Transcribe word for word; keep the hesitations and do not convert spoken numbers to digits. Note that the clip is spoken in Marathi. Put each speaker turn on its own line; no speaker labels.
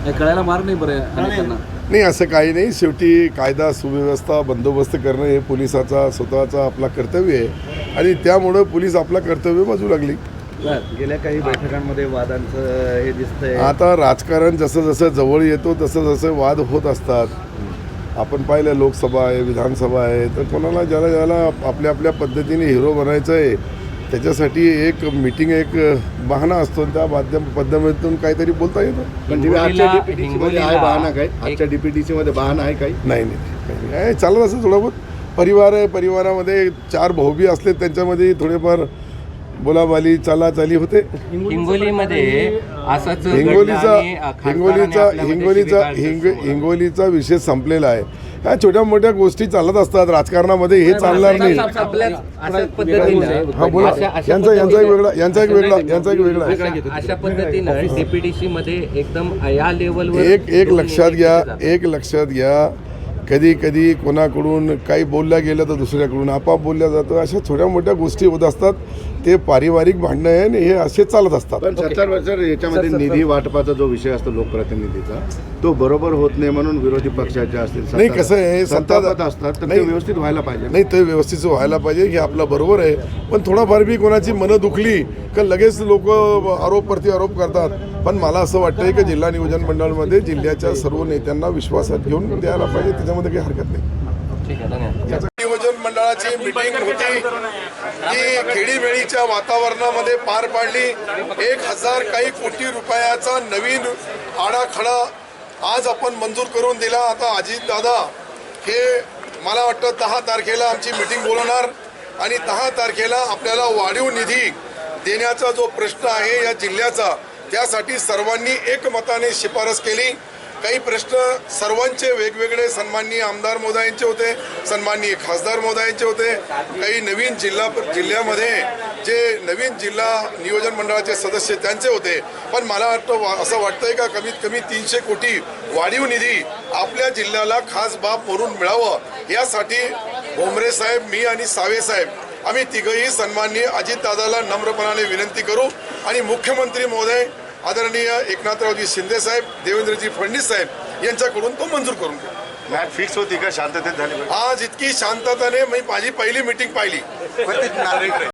हे कळायला मार्ग नाही बरं अनेकांना.
नाही, असं काही नाही. शेवटी कायदा सुव्यवस्था बंदोबस्त करणं हे पोलिसाचा स्वतःचा आपला कर्तव्य आहे आणि त्यामुळं पोलीस आपला कर्तव्य बाजू लागली.
गेल्या काही बैठकांमध्ये वादांचं हे दिसतंय.
आता राजकारण जसं जसं जवळ येतो तसं जसं वाद होत असतात. आपण पाहिलं लोकसभा आहे, विधानसभा आहे, तर कोणाला ज्याला ज्याला आपल्या आपल्या पद्धतीने हिरो बनायचं आहे त्याच्यासाठी एक मीटिंग एक बहाणा असतो. त्या माध्यम पद्धतीतून काहीतरी बोलता येतं.
पण आजच्या डीपीटीसीमध्ये आहे बहाणा काय? आजच्या डीपीटीसीमध्ये बहाणा आहे काही?
नाही नाही नाही चालत असं थोडं बहुत. परिवार आहे, परिवारामध्ये चार भाऊबी असले त्यांच्यामध्ये थोडेफार बोलाबाली चालाचाली होते.
हिंगोलीमध्ये असंच
हिंगोलीचा हिंगोलीचा हिंगोलीचा हिंग हिंगोलीचा विषय संपलेला आहे. ह्या छोट्या मोठ्या गोष्टी चालत असतात राजकारणामध्ये, हे चालणार नाही. हा बोला. यांचा यांचा एक वेगळा यांचा एक वेगळा यांचा एक वेगळा
अशा पद्धतीनं डीपीडीसी मध्ये एकदम या लेवलवर
एक एक लक्षात घ्या एक लक्षात घ्या कधी कधी कोणाकडून काही बोलल्या गेलं तर दुसऱ्याकडून आपाप बोलल्या जातं. अशा छोट्या मोठ्या गोष्टी होत असतात. ते पारिवारिक भांडणं आहे आणि हे असे चालत असतात.
पण सत्तर वर्ष याच्यामध्ये निधी वाटपाचा जो विषय असतो लोकप्रतिनिधीचा तो बरोबर होत नाही म्हणून विरोधी पक्षाच्या असतील
नाही कसं आहे
सत्तापद असतात तर ते व्यवस्थित व्हायला पाहिजे.
नाही ते व्यवस्थित व्हायला पाहिजे हे आपलं बरोबर आहे. पण थोडाफार बी कोणाची मनं दुखली का लगेच लोक आरोप प्रति आरोप करतात. पण मला असं वाटतंय की जिल्हा नियोजन मंडळामध्ये जिल्ह्याच्या सर्व नेत्यांना विश्वासात घेऊन द्यायला पाहिजे. त्याच्यामध्ये काही हरकत नाही. नियोजन मंडळाची मीटिंग होती ती खेडीमेळीच्या वातावरणामध्ये पार पाडली. एक हजार काही कोटी रुपयाचा नवीन आडाखडा आज आपण मंजूर करून दिला. आता अजित दादा हे मला वाटतं दहा तारखेला आमची मीटिंग बोलवणार आणि दहा तारखेला आपल्याला वाढीव निधी देण्याचा जो प्रश्न आहे या जिल्ह्याचा त्यासाठी सर्वांनी एकमताने शिफारस केली. काही प्रश्न सर्वांचे वेगवेगळे सन्माननीय आमदार महोदयांचे होते, सन्माननीय खासदार महोदयांचे होते. काही नवीन जिल्हा जिल्ह्यामध्ये जे नवीन जिल्हा नियोजन मंडळाचे सदस्य त्यांचे होते. पण मला वाटतं असं वाटतंय का कमीत कमी तीनशे कोटी वाढीव निधी आपल्या जिल्ह्याला खास बाब म्हणून मिळावं यासाठी भोमरे साहेब, मी आणि सावे साहेब आम्ही तिघही सन्माननीय अजितदादाला नम्रपणाने विनंती करू आणि मुख्यमंत्री महोदय आदरणीय एकनाथरावजी शिंदे साहेब, देवेंद्रजी फडणवीस साहेब यांच्याकडून तो मंजूर करून घेऊ.
मॅच फिक्स होती का शांततेत झाली?
आज इतकी शांतताने मी माझी पहिली मीटिंग पाहिली.